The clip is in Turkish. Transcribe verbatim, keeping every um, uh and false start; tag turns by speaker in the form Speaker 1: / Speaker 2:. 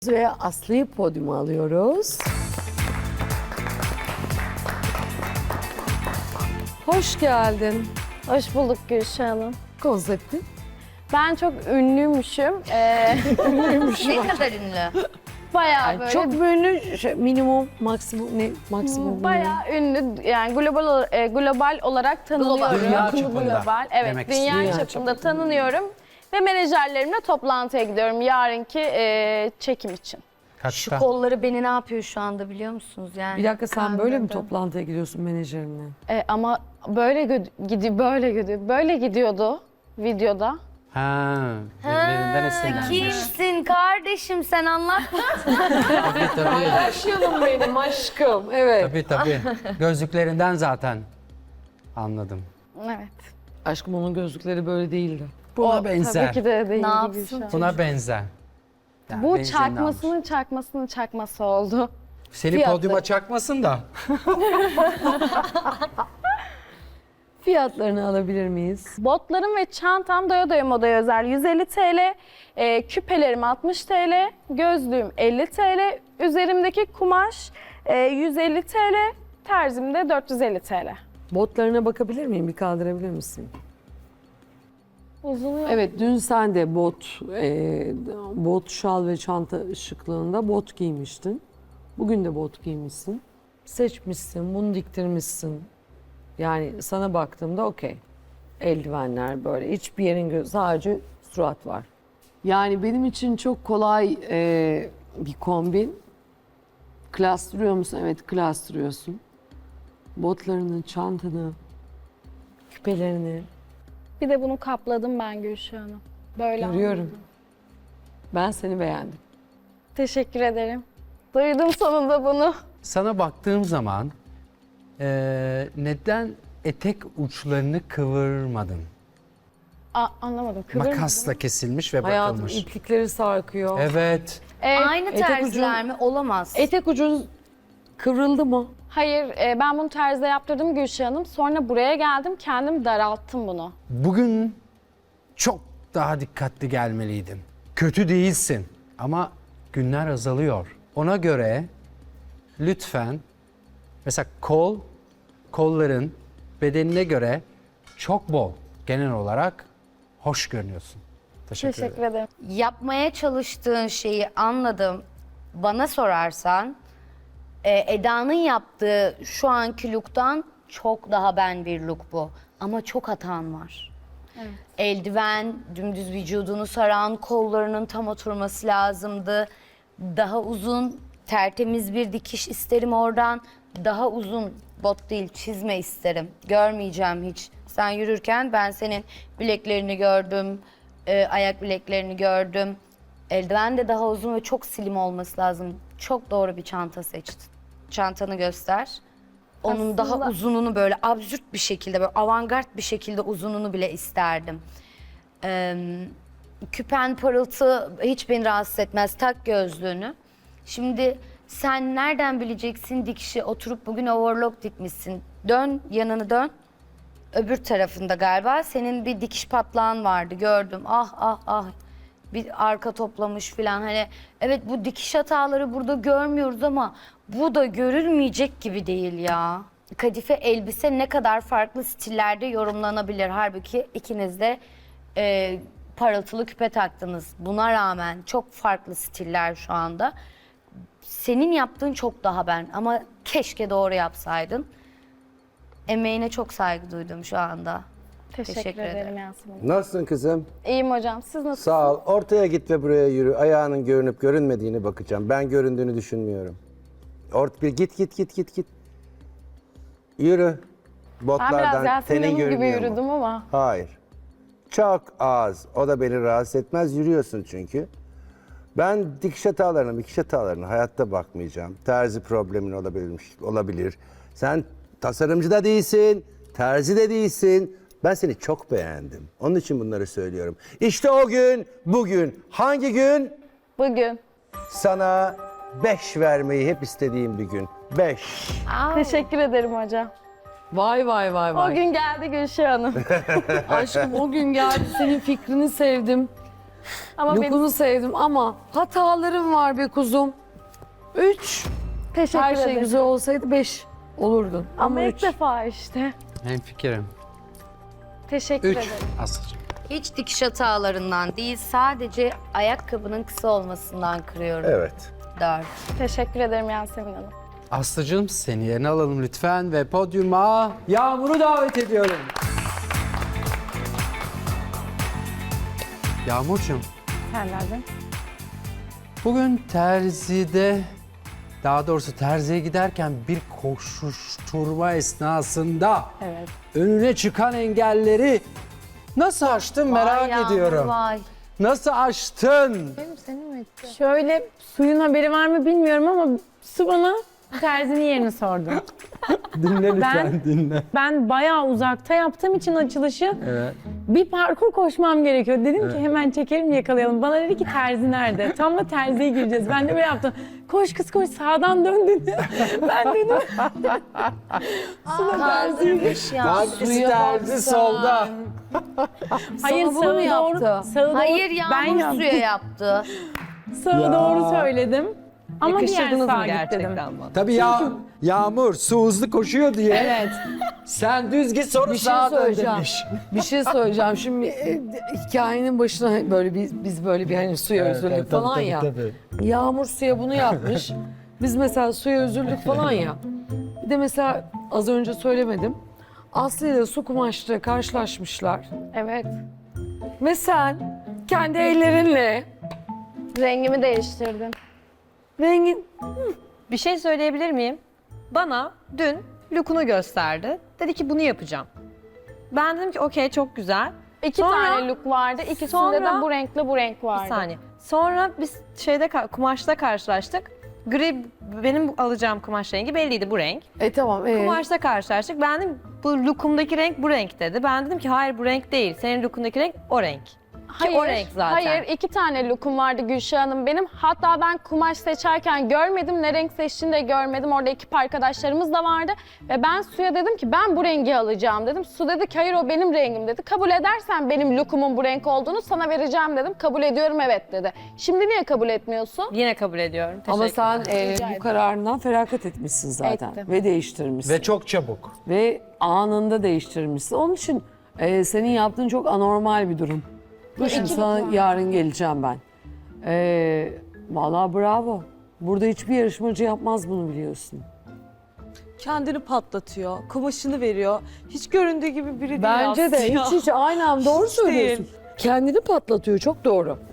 Speaker 1: Ve Aslı'yı podyuma alıyoruz. Hoş geldin.
Speaker 2: Hoş bulduk Gülşah Hanım.
Speaker 1: Konsepti.
Speaker 2: Ben çok ünlüymüşüm. Ee,
Speaker 3: Ne kadar ünlü?
Speaker 2: bayağı
Speaker 1: Yani
Speaker 2: böyle
Speaker 1: çok ünlü, şey, minimum, maksimum, ne maksimum?
Speaker 2: bayağı ünlü, yani global ol- e, global olarak tanınıyorum.
Speaker 4: Dünya çapında
Speaker 2: Global, evet,
Speaker 4: demek
Speaker 2: dünya,
Speaker 4: istiyor.
Speaker 1: Dünya
Speaker 2: çapında
Speaker 1: çapında.
Speaker 2: tanınıyorum ve menajerlerimle toplantıya gidiyorum yarınki e, çekim için.
Speaker 3: Şu
Speaker 4: Kaçta?
Speaker 3: kolları beni ne yapıyor şu anda biliyor musunuz yani?
Speaker 1: Bir dakika, sen böyle mi
Speaker 2: Kandırdım.
Speaker 1: toplantıya gidiyorsun menajerinle?
Speaker 2: E, ama böyle gö- gidiyor, böyle gidiyor, böyle gidiyordu videoda.
Speaker 4: Ha, birbirinden esinlenmiş.
Speaker 3: Kimsin kardeşim sen anlat.
Speaker 4: Tabii tabii.
Speaker 1: Yaşayalım benim aşkım, evet.
Speaker 4: Tabii tabii. Gözlüklerinden zaten anladım.
Speaker 2: Evet.
Speaker 1: Aşkım, onun gözlükleri böyle değildi.
Speaker 4: Buna
Speaker 2: O
Speaker 4: benzer.
Speaker 2: Tabii ki de değil.
Speaker 3: Ne yapsın?
Speaker 2: Gülşah.
Speaker 4: Buna benzer. Yani
Speaker 2: Bu
Speaker 4: benzerini almış.
Speaker 2: çakmasının çakmasının çakması oldu.
Speaker 4: Seni
Speaker 2: fiyatları.
Speaker 4: podyuma çakmasın da.
Speaker 1: Fiyatlarını alabilir miyiz?
Speaker 2: Botlarım ve çantam doya doya modaya özel yüz elli TL, e, küpelerim altmış TL, gözlüğüm elli TL, üzerimdeki kumaş e, yüz elli TL, terzim de dört yüz elli TL.
Speaker 1: Botlarına bakabilir miyim? Bir kaldırabilir misin?
Speaker 2: Uzun
Speaker 1: Evet, dün sen de bot, e, bot, şal ve çanta şıklığında bot giymiştin. Bugün de bot giymişsin. Seçmişsin, bunu diktirmişsin. Yani sana baktığımda okey. Eldivenler böyle, hiçbir yerin gö- sadece surat var. Yani benim için çok kolay e, bir kombin. Klas duruyor musun? Evet, klas duruyorsun. Botlarını, çantanı, küpelerini
Speaker 2: Bir de bunu kapladım ben Gülşah Hanım. Böyle
Speaker 1: görüyorum. Ben seni beğendim.
Speaker 2: Teşekkür ederim. Duydum sonunda bunu.
Speaker 4: Sana baktığım zaman eee, neden etek uçlarını kıvırmadın?
Speaker 2: A- anlamadım. Kıvırmadım.
Speaker 4: Makasla kesilmiş ve
Speaker 1: Hayatım,
Speaker 4: bakılmış.
Speaker 1: iplikleri sarkıyor.
Speaker 4: Evet.
Speaker 2: E,
Speaker 3: Aynı
Speaker 1: etek
Speaker 3: terziler mi? Olamaz.
Speaker 1: Etek ucun kıvrıldı mı?
Speaker 2: Hayır, e, ben bunu terzide yaptırdım Gülşah Hanım. Sonra buraya geldim, kendim daralttım bunu.
Speaker 4: Bugün çok daha dikkatli gelmeliydin. Kötü değilsin ama günler azalıyor. Ona göre lütfen mesela kol, kolların bedenine göre çok bol. Genel olarak hoş görünüyorsun. Teşekkür,
Speaker 2: Teşekkür
Speaker 4: ederim.
Speaker 2: ederim.
Speaker 3: Yapmaya çalıştığın şeyi anladım. Bana sorarsan e, Eda'nın yaptığı şu anki look'tan çok daha ben bir look bu. Ama çok hatan var. Eldiven, dümdüz vücudunu saran kollarının tam oturması lazımdı. Daha uzun, tertemiz bir dikiş isterim oradan. Daha uzun bot değil, çizme isterim. Görmeyeceğim hiç. Sen yürürken ben senin bileklerini gördüm, e, ayak bileklerini gördüm. Eldiven de daha uzun ve çok slim olması lazım. Çok doğru bir çanta seçtin. Çantanı göster. Onun daha
Speaker 2: Aslında-
Speaker 3: uzununu böyle absürt bir şekilde, böyle avantgard bir şekilde uzununu bile isterdim. Ee, küpen parıltı hiç beni rahatsız etmez. Tak gözlüğünü. Şimdi sen nereden bileceksin dikişi? Oturup bugün overlock dikmişsin. Dön, yanını dön. Öbür tarafında galiba senin bir dikiş patlağın vardı, gördüm. Ah ah ah. Bir arka toplamış falan. Hani evet, bu dikiş hataları burada görmüyoruz ama bu da görülmeyecek gibi değil ya. Kadife elbise ne kadar farklı stillerde yorumlanabilir. Halbuki ikiniz de e, parıltılı küpe taktınız. Buna rağmen çok farklı stiller şu anda. Senin yaptığın çok daha ben ama keşke doğru yapsaydın. Emeğine çok saygı duydum şu anda.
Speaker 2: Teşekkür,
Speaker 3: Teşekkür
Speaker 2: ederim
Speaker 3: ederim.
Speaker 2: Yasemin Hanım.
Speaker 5: Nasılsın kızım?
Speaker 2: İyiyim hocam. Siz nasılsınız?
Speaker 5: Sağ ol. Ortaya git ve buraya yürü. Ayağının görünüp görünmediğini bakacağım. Ben göründüğünü düşünmüyorum. Ort bir git git git git git. Yürü.
Speaker 2: Ben biraz
Speaker 5: Botlardan
Speaker 2: Yasemin
Speaker 5: tenin
Speaker 2: Hanım gibi
Speaker 5: görünüyor mu?
Speaker 2: yürüdüm ama.
Speaker 5: Hayır. Çok az. O da beni rahatsız etmez. Yürüyorsun çünkü. Ben dikiş hatalarına, dikiş hatalarına hayatta bakmayacağım. Terzi problemin olabilirmiş, olabilir. Sen tasarımcı da değilsin, terzi de değilsin. Ben seni çok beğendim. Onun için bunları söylüyorum. İşte o gün, bugün. Hangi gün?
Speaker 2: Bugün.
Speaker 5: Sana beş vermeyi hep istediğim bir gün. Beş.
Speaker 2: Teşekkür ederim hocam.
Speaker 1: Vay vay vay
Speaker 2: O
Speaker 1: vay.
Speaker 2: gün geldi Gülşah Hanım.
Speaker 1: Aşkım, o gün geldi, senin fikrini sevdim.
Speaker 2: Ama benim
Speaker 1: Look'unu sevdim ama hatalarım var be kuzum. Üç.
Speaker 2: teşekkür
Speaker 1: Her şey
Speaker 2: ederim.
Speaker 1: güzel olsaydı beş olurdun.
Speaker 2: Ama
Speaker 1: Ama
Speaker 2: ilk
Speaker 1: üç.
Speaker 2: defa işte.
Speaker 4: Hemfikirim.
Speaker 2: Teşekkür
Speaker 4: Üç
Speaker 2: ederim.
Speaker 4: Aslı'cığım.
Speaker 3: Hiç dikiş hatalarından değil, sadece ayakkabının kısa olmasından kırıyorum.
Speaker 5: Evet.
Speaker 3: Dört.
Speaker 2: Teşekkür ederim Yasemin Hanım.
Speaker 4: Aslı'cığım seni yerine alalım lütfen ve podyuma Yağmur'u davet ediyorum. Yağmur'cum
Speaker 2: Senlerden.
Speaker 4: bugün terzide, daha doğrusu terziye giderken bir koşuşturma esnasında
Speaker 2: Evet.
Speaker 4: önüne çıkan engelleri nasıl aştın merak
Speaker 3: Vay Yağmur,
Speaker 4: ediyorum.
Speaker 3: Vay.
Speaker 4: Nasıl aştın?
Speaker 6: Şöyle suyun haberi var mı bilmiyorum ama su bana terzinin yerini sordu.
Speaker 4: Dinle lütfen
Speaker 6: Ben-
Speaker 4: dinle.
Speaker 6: Ben bayağı uzakta yaptığım için açılışı
Speaker 4: Evet.
Speaker 6: bir parkur koşmam gerekiyor. Dedim ki hemen çekelim yakalayalım. Bana dedi ki terzi nerede? Tam da terziye gireceğiz. Ben de böyle yaptım. Koş kız koş sağdan dön dedi. Ben dedim
Speaker 3: Kaldırmış ya.
Speaker 4: Hangisi terzi solda?
Speaker 6: hayır
Speaker 1: bunu mu
Speaker 6: sağı
Speaker 1: yaptı?
Speaker 6: doğru. Sağı doğru.
Speaker 3: Hayır
Speaker 6: ben
Speaker 3: Yağmur
Speaker 6: yaptım.
Speaker 3: suya yaptı.
Speaker 6: Sağı doğru söyledim. Ama diğer
Speaker 7: Yakıştırdınız
Speaker 6: sağa
Speaker 7: mı
Speaker 6: git
Speaker 7: gerçekten
Speaker 6: dedim.
Speaker 7: bana?
Speaker 4: Tabii ya Yağmur su hızlı koşuyor diye.
Speaker 6: Evet.
Speaker 4: Sen düz git sonra
Speaker 1: Bir şey
Speaker 4: sağa dön
Speaker 1: söyleyeceğim.
Speaker 4: demiş.
Speaker 1: Bir şey söyleyeceğim. Şimdi e, hikayenin başına böyle biz, biz böyle bir hani suya özürlük falan ya. Yağmur suya bunu yapmış. Biz mesela suya özürlük falan ya. Bir de mesela az önce söylemedim. Aslı ile su kumaşla karşılaşmışlar.
Speaker 2: Evet.
Speaker 1: Ve sen kendi ellerinle
Speaker 2: Rengimi değiştirdim.
Speaker 1: rengin
Speaker 7: Bir şey söyleyebilir miyim? Bana dün look'unu gösterdi. Dedi ki bunu yapacağım. Ben dedim ki okey çok güzel.
Speaker 2: İki
Speaker 7: Sonra-
Speaker 2: tane look vardı. İkisinde
Speaker 7: Sonra-
Speaker 2: de bu renkle bu renk vardı.
Speaker 7: Bir saniye. Sonra biz şeyde ka- kumaşta karşılaştık. Gri benim alacağım kumaş rengi belliydi bu renk.
Speaker 1: e tamam e,
Speaker 7: Kumaşta karşılaştık. Ben dedim bu look'umdaki renk bu renk dedi. Ben dedim ki hayır bu renk değil. Senin look'undaki renk o renk.
Speaker 2: Hayır,
Speaker 7: o renk zaten.
Speaker 2: Hayır, iki tane lookum vardı Gülşah Hanım benim. Hatta ben kumaş seçerken görmedim, ne renk seçtiğini de görmedim. Orada ekip arkadaşlarımız da vardı. Ve ben Su'ya dedim ki ben bu rengi alacağım dedim. Su dedi ki hayır o benim rengim dedi. Kabul edersen benim lookumun bu renk olduğunu sana vereceğim dedim. Kabul ediyorum evet dedi. Şimdi niye kabul etmiyorsun?
Speaker 7: Yine kabul ediyorum.
Speaker 1: ama
Speaker 7: Teşekkür
Speaker 1: sen
Speaker 7: ederim.
Speaker 1: e,
Speaker 2: Rica
Speaker 1: bu
Speaker 2: ederim.
Speaker 1: kararından feragat etmişsin zaten.
Speaker 2: Ettim.
Speaker 1: Ve değiştirmişsin.
Speaker 4: Ve çok çabuk.
Speaker 1: Ve anında değiştirmişsin. Onun için e, senin yaptığın çok anormal bir durum. Dur şimdi sana yarın geleceğim ben. E, vallahi bravo. Burada hiçbir yarışmacı yapmaz bunu biliyorsun.
Speaker 8: Kendini patlatıyor, kumaşını veriyor. Hiç göründüğü gibi biri değil
Speaker 1: Bence de
Speaker 8: aslında.
Speaker 1: hiç hiç aynen doğru
Speaker 8: Hiç
Speaker 1: söylüyorsun.
Speaker 8: değil.
Speaker 1: Kendini patlatıyor çok doğru.